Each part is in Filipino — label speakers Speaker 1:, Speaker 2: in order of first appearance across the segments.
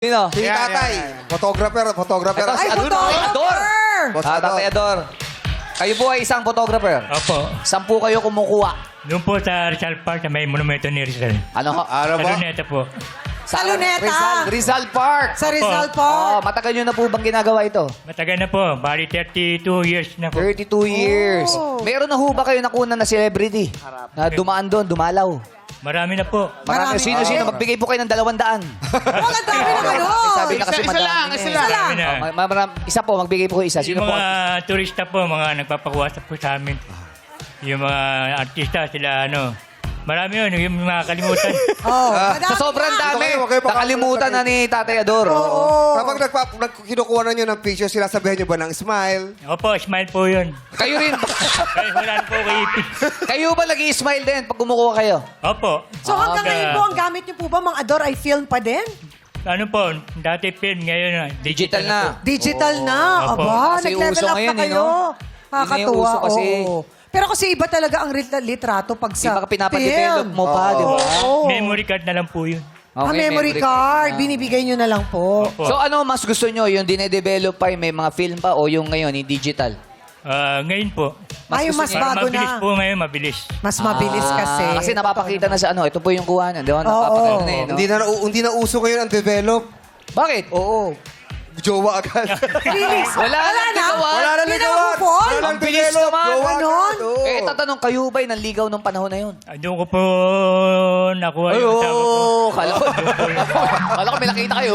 Speaker 1: Sino?
Speaker 2: Si tatay. Photographer.
Speaker 1: Ito, si
Speaker 3: Ay,
Speaker 1: Ador.
Speaker 3: photographer!
Speaker 2: Boss
Speaker 1: Tatay Ador. Kayo po ay isang photographer.
Speaker 4: Opo.
Speaker 1: Saan po kayo kumukuha?
Speaker 4: Doon po sa Rizal Park na may monumento ni Rizal.
Speaker 1: Ano?
Speaker 2: Ano
Speaker 4: Sa
Speaker 2: ba?
Speaker 4: Luneta po.
Speaker 3: Sa Luneta.
Speaker 1: Rizal Park.
Speaker 3: Sa Rizal
Speaker 1: Oh,
Speaker 3: Park.
Speaker 1: matagal nyo na po bang ginagawa ito?
Speaker 4: Matagal na po. Bali 32 years na po.
Speaker 1: 32 years. Meron na ho ba kayo nakunan na celebrity? Na dumaan doon, dumalaw.
Speaker 4: Marami na po.
Speaker 1: Marami. Sino? Magbigay po kayo ng 200.
Speaker 3: Oh, ang dami naman
Speaker 1: Sabi na kasi
Speaker 5: Isa lang,
Speaker 1: madami
Speaker 5: isa
Speaker 1: eh.
Speaker 5: lang.
Speaker 4: Marami na.
Speaker 1: Isa po, magbigay po kayo isa. Sino
Speaker 4: Yung
Speaker 1: po?
Speaker 4: mga turista po, mga nagpapakuwasap po sa amin. Yung mga artista, sila ano. Marami yun, yung mga kalimutan.
Speaker 3: Oh,
Speaker 1: Sa sobrang dami,
Speaker 2: Huwag kayo
Speaker 1: nakalimutan na ni Tatay Ador.
Speaker 2: Kapag kinukuha na nyo ng picture, sila sabihin nyo ba ng smile?
Speaker 4: Opo, smile po yun.
Speaker 1: Kayo rin.
Speaker 4: Kaya wala na po kaipin.
Speaker 1: Kayo ba nag-i-smile din pag kumukuha kayo?
Speaker 4: Opo.
Speaker 3: So hanggang
Speaker 1: Okay.
Speaker 3: ngayon po, ang gamit niyo po ba, mga Ador, ay film pa din?
Speaker 4: Ano po, dati film, ngayon
Speaker 1: Digital na.
Speaker 4: po.
Speaker 3: Digital na.
Speaker 4: Opo.
Speaker 3: Aba,
Speaker 1: Kasi
Speaker 3: nag-level
Speaker 1: uso
Speaker 3: up
Speaker 1: ngayon,
Speaker 3: na
Speaker 1: eh,
Speaker 3: kayo.
Speaker 1: no?
Speaker 3: Nakakatuwa.
Speaker 1: Yun na yung uso kasi.
Speaker 3: Oo. Pero kasi iba talaga ang litrato pag sa
Speaker 1: Iba ka pinapadevelop
Speaker 3: film.
Speaker 1: mo pa, di ba?
Speaker 3: Oo.
Speaker 4: Memory card na lang po yun.
Speaker 3: Memory card. Binibigay niyo na lang po.
Speaker 4: Opo.
Speaker 1: So ano mas gusto nyo? Yung dinedevelop pa, yung may mga film pa o yung ngayon, yung digital?
Speaker 4: Ngayon po.
Speaker 3: Ay, yung mas
Speaker 1: gusto
Speaker 3: bago
Speaker 4: Mabilis
Speaker 3: na.
Speaker 4: po ngayon, mabilis.
Speaker 3: Mas mabilis kasi.
Speaker 1: Kasi napapakita na sa ano, ito po yung kuhanan, di ba? Napapakita na eh, no?
Speaker 2: Hindi na uso ngayon ang develop.
Speaker 1: Bakit?
Speaker 2: Oo. Jowa agad.
Speaker 3: Felix,
Speaker 1: Wala na ligawan.
Speaker 2: Wala na
Speaker 3: Hindi na
Speaker 2: ligawan.
Speaker 3: move on.
Speaker 2: Wala
Speaker 1: Ang
Speaker 2: nang
Speaker 1: bilis
Speaker 2: develop.
Speaker 1: naman.
Speaker 2: Jowa
Speaker 3: Ganon?
Speaker 2: agad. Oo.
Speaker 1: Eh, tatanong, kayo ba'y nanligaw nung panahon na yun?
Speaker 4: Doon ko po nakuha yung asawa ko.
Speaker 1: Kala ko. Kala ko may nakita kayo.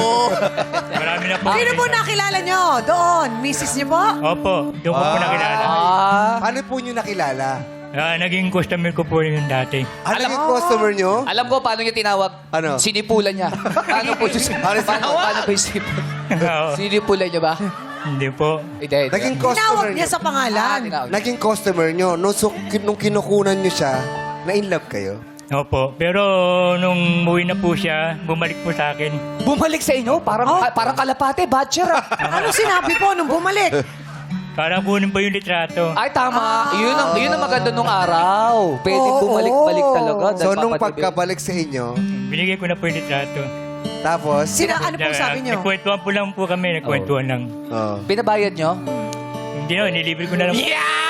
Speaker 4: Marami na po.
Speaker 3: Sino po nakilala niyo? Doon. Mrs. niyo po?
Speaker 4: Opo, doon ko po nakilala.
Speaker 2: Ano po nyo nakilala?
Speaker 4: Naging customer ko po yun dati.
Speaker 2: Ano yung customer nyo?
Speaker 1: Alam ko paano niya tinawag.
Speaker 2: Ano?
Speaker 1: Sinipulan niya. Paano po yung paano po yung sinipulan?
Speaker 4: Oo.
Speaker 1: Sinipulan niya ba?
Speaker 4: Hindi po.
Speaker 1: Hindi.
Speaker 2: Naging
Speaker 3: Tinawag
Speaker 2: customer
Speaker 3: niya
Speaker 2: nyo.
Speaker 3: sa pangalan.
Speaker 2: Naging customer nyo. Nung kinukunan nyo siya, na-in love kayo?
Speaker 4: Opo. Pero nung muwi na po siya, bumalik po sa akin.
Speaker 1: Bumalik sa inyo? Parang kalapate, batcher ah.
Speaker 3: Ano sinabi po nung bumalik?
Speaker 4: Para kunin po yung litrato.
Speaker 1: Ay, tama. Yun ang maganda nung araw. Pwede
Speaker 3: Oo,
Speaker 1: bumalik-balik talaga.
Speaker 2: So,
Speaker 1: dahil
Speaker 2: nung
Speaker 1: papadibig.
Speaker 2: pagkabalik sa inyo,
Speaker 4: Binigay ko na po yung litrato.
Speaker 2: tapos,
Speaker 3: Ano po sabi niyo?
Speaker 4: Nagkwentuhan po lang po kami. Nagkwentuhan lang.
Speaker 2: oh.
Speaker 1: Binabayad nyo?
Speaker 4: Hindi na, nilibre ko na lang.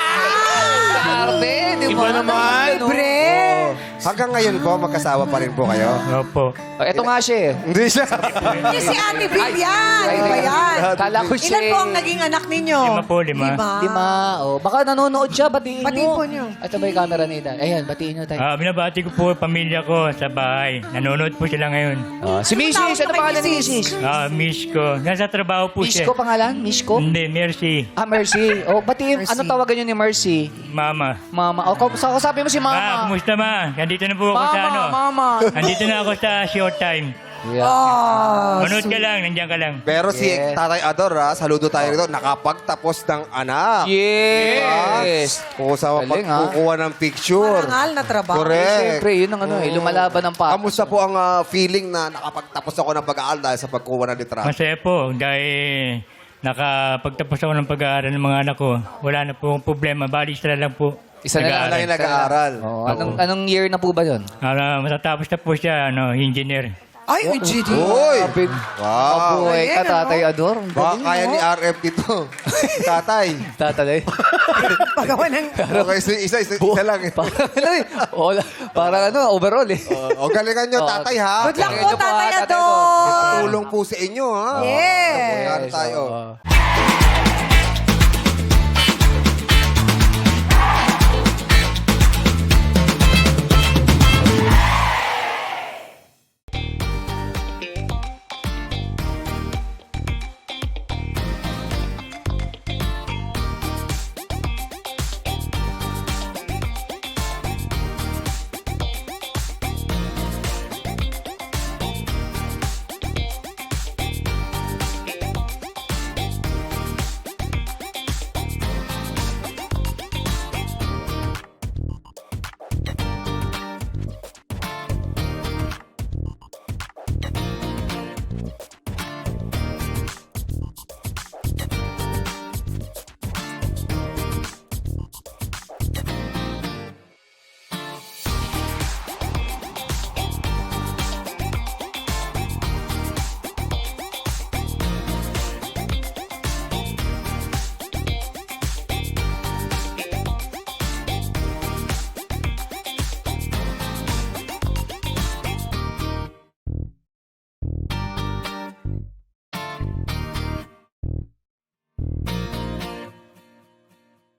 Speaker 1: Arte, di ba?
Speaker 5: Iba naman.
Speaker 3: Libre.
Speaker 2: Hanggang ngayon po, magkasawa pa rin po kayo?
Speaker 4: Opo.
Speaker 1: Ito nga siya eh.
Speaker 2: Hindi siya.
Speaker 3: Hindi si Ate Bill yan.
Speaker 1: Ay,
Speaker 3: Iba yan.
Speaker 1: Kala ko siya.
Speaker 3: Ilan po ang naging anak ninyo?
Speaker 4: 5 po, 5.
Speaker 1: Lima. Oh, baka nanonood siya. Batiin nyo.
Speaker 3: Batiin po nyo.
Speaker 1: Ito ba yung camera ni Dan? Ayan, batiin nyo tayo.
Speaker 4: Binabati ko po pamilya ko sa bahay. Nanonood po sila ngayon.
Speaker 1: Si Mrs.
Speaker 3: tawag
Speaker 1: Ano
Speaker 3: kay
Speaker 1: pangalan ni
Speaker 3: Mrs.?
Speaker 1: Mrs.?
Speaker 4: Miss ko. Nasa trabaho po siya.
Speaker 1: Mishko pangalan? Mishko?
Speaker 4: Hindi, Mercy.
Speaker 1: Mercy. Oh, batiin.
Speaker 3: Mercy.
Speaker 1: Ano tawagan nyo ni Mercy?
Speaker 4: Mama.
Speaker 1: Mama. Oh, sabi mo si Mama.
Speaker 4: Kumusta ma? Nandito na po ako sa ano.
Speaker 1: Mama.
Speaker 4: Nandito na ako sa showtime.
Speaker 1: Yeah.
Speaker 3: Oh,
Speaker 4: Manood ka lang, nandiyan ka lang.
Speaker 2: Pero si
Speaker 1: Yes.
Speaker 2: Tatay Ador, saludo tayo rito, nakapagtapos ng anak.
Speaker 1: Yes.
Speaker 2: Kung sa
Speaker 1: Galing, ha?
Speaker 2: pagkukuha ng picture.
Speaker 3: marangal na trabaho.
Speaker 2: Correct.
Speaker 1: Siyempre, yun ang ano eh. Lumalaban ng pa.
Speaker 2: Kamusta po ang feeling na nakapagtapos ako ng pag-aaral dahil sa pagkuha ng litrato?
Speaker 4: Masaya po dahil nakapagtapos ako ng pag-aaral ng mga anak ko. Wala na po akong problema. Bali, sila lang po.
Speaker 1: Isa na lang.
Speaker 2: Wala yung nag-aaral.
Speaker 1: Oh, anong year na po ba yun?
Speaker 4: Matatapos na po siya, engineer.
Speaker 3: Ay, UGD.
Speaker 2: Uy! Wow!
Speaker 1: Mabuhay ka,
Speaker 3: Galing,
Speaker 1: Tatay Ador. Ang
Speaker 2: Baka
Speaker 1: galing,
Speaker 2: kaya
Speaker 1: no?
Speaker 2: ni RF dito. Tatay.
Speaker 1: Tatay.
Speaker 3: Pagawa ng...
Speaker 2: Okay, isa lang.
Speaker 1: Parang ano eh. Parang ano, overall eh.
Speaker 2: O galingan nyo, tatay ha.
Speaker 3: Good luck po,
Speaker 1: Galingan nyo po,
Speaker 3: Tatay
Speaker 1: Tatay
Speaker 3: Ador.
Speaker 2: Tulong po sa inyo ha.
Speaker 3: Yes.
Speaker 2: Ayan tayo.